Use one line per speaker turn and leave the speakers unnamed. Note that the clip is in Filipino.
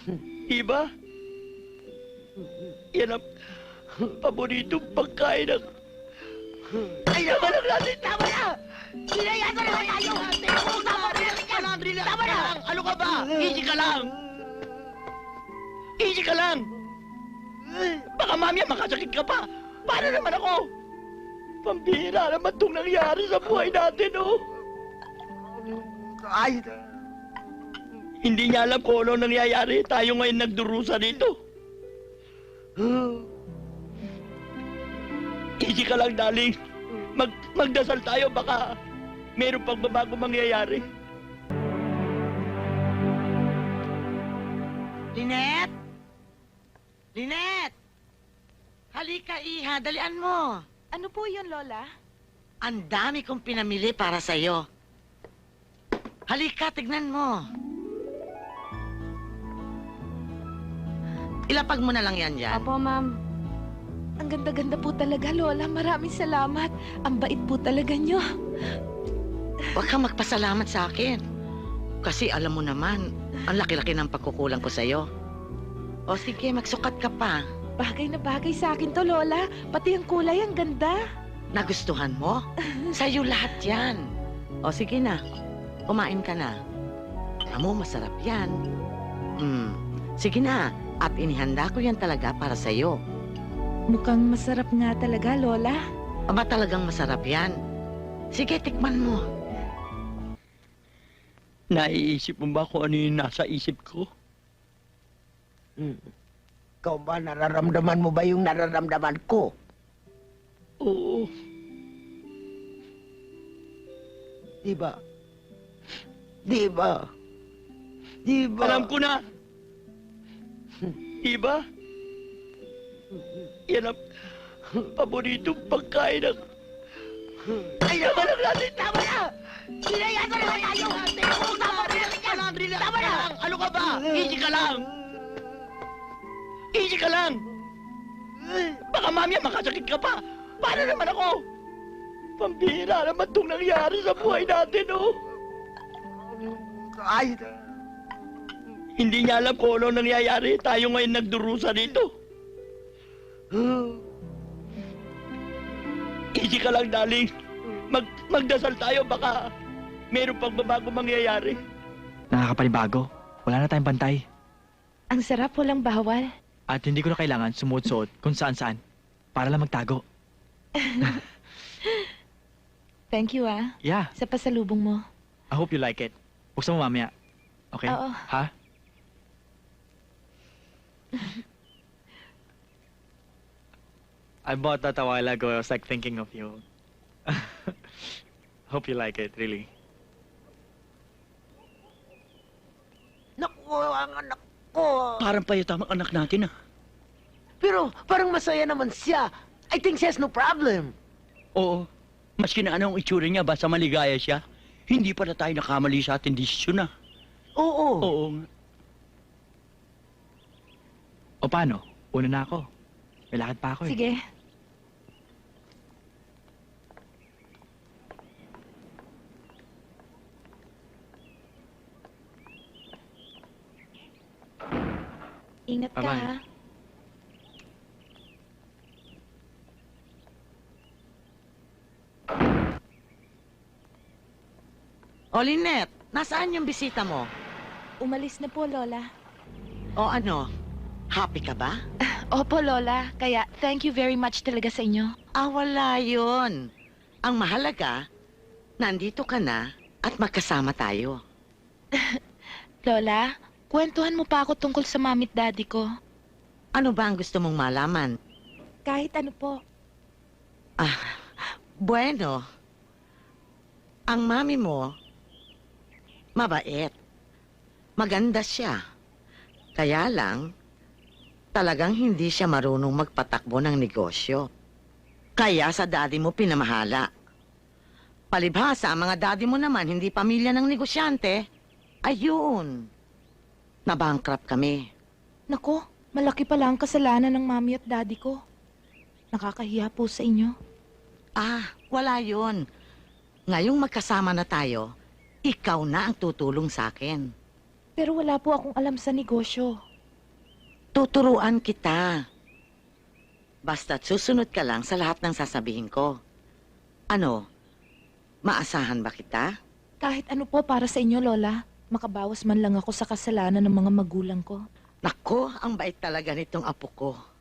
Diba? Yan ang paboritong pagkain ng... Ay, naman lang natin! Tama na! Sinayaan na naman tayo! Tama na! Ano ka ba? Easy ka lang! Easy ka lang! Baka mamaya makasakit ka pa! Paano naman ako? Pambihira naman itong nangyari sa buhay natin, oh!
Ay,
Hindi niya alam kung ano nangyayari. Tayo ngayon nagdurusa dito. Easy ka lang, darling. Magdasal tayo, baka meron pang babago mangyayari.
Lynette? Lynette! Halika, Iha. Dalian mo.
Ano po yun, Lola?
Ang dami kong pinamili para sa'yo. Halika, tignan mo. Ilapag mo na lang yan dyan.
Apo, ma'am. Ang ganda-ganda po talaga, Lola. Maraming salamat. Ang bait po talaga nyo.
Huwag kang magpasalamat sa akin. Kasi alam mo naman, ang laki-laki ng pagkukulang ko sa'yo. O sige, magsukat ka pa.
Bagay na bagay sa akin to, Lola. Pati ang kulay, ang ganda.
Nagustuhan mo? Sa'yo lahat yan. O sige na, kumain ka na. Amo, masarap yan. Sige na, at inihanda ko yan talaga para sa'yo.
Mukhang masarap nga talaga, Lola.
Aba, talagang masarap yan. Sige, tikman mo.
Naiisip mo ba kung ano yung nasa isip ko?
ikaw ba, nararamdaman mo ba yung nararamdaman ko?
Oo.
Diba? Diba? Diba?
Alam ko na. Diba? Yan ang paboritong pagkain ng... Ay, naman lang natin! Tama na! Sinayaan na naman tayo! Tama na! Ano ka ba? Easy ka lang! Easy ka lang! Baka mamaya makasakit ka pa! Paano naman ako? Pambihira naman itong nangyari sa buhay natin, oh!
Ay,
Hindi niya alam kung ano nangyayari. Tayo ngayon nagdurusa dito. Easy ka lang, darling. Magdasal tayo, baka meron pang babago mangyayari.
Nakakapanibago. Wala na tayong bantay.
Ang sarap, walang bawal.
At hindi ko na kailangan sumuot-suot kung saan-saan para lang magtago.
Thank you, ah.
Yeah,
Sa pasalubong mo.
I hope you like it. Buksan mo mamaya. Okay?
Oo.
Ha? I bought that a while ago. I was like thinking of you. Hope you like it, really.
naku, ang anak ko.
Parang payatamang anak natin, ah.
Pero parang masaya naman siya. I think she has no problem.
Oo. Maski na anong itsura niya, basta maligaya siya. Hindi pala tayo nakamali sa ating desisyon, ah.
Oo.
Oo.
O paano? Una na ako. May lakad pa ako eh.
Sige. Ingat ka,
Bye-bye.
ha?
O, Lynette, nasaan yung bisita mo?
Umalis na po, Lola.
O ano, happy ka ba?
Opo, Lola. Kaya thank you very much talaga sa inyo.
Wala yun. Ang mahalaga, nandito ka na at magkasama tayo.
Lola, kwentuhan mo pa ako tungkol sa mamit daddy ko.
Ano ba ang gusto mong malaman?
Kahit ano po.
Bueno, ang mami mo, mabait. Maganda siya. Kaya lang, talagang hindi siya marunong magpatakbo ng negosyo. Kaya sa daddy mo pinamahala. Palibhasa, ang mga daddy mo naman hindi pamilya ng negosyante. Ayun. Nabankrupt kami.
Nako, malaki pala ang kasalanan ng mami at daddy ko. Nakakahiya po sa inyo.
Wala yun. Ngayong magkasama na tayo, ikaw na ang tutulong sa akin.
Pero wala po akong alam sa negosyo.
Tuturuan kita. Basta't susunod ka lang sa lahat ng sasabihin ko. Ano? Maasahan ba kita?
Kahit ano po para sa inyo, Lola. Makabawas man lang ako sa kasalanan ng mga magulang ko.
Nako, ang bait talaga nitong apo ko.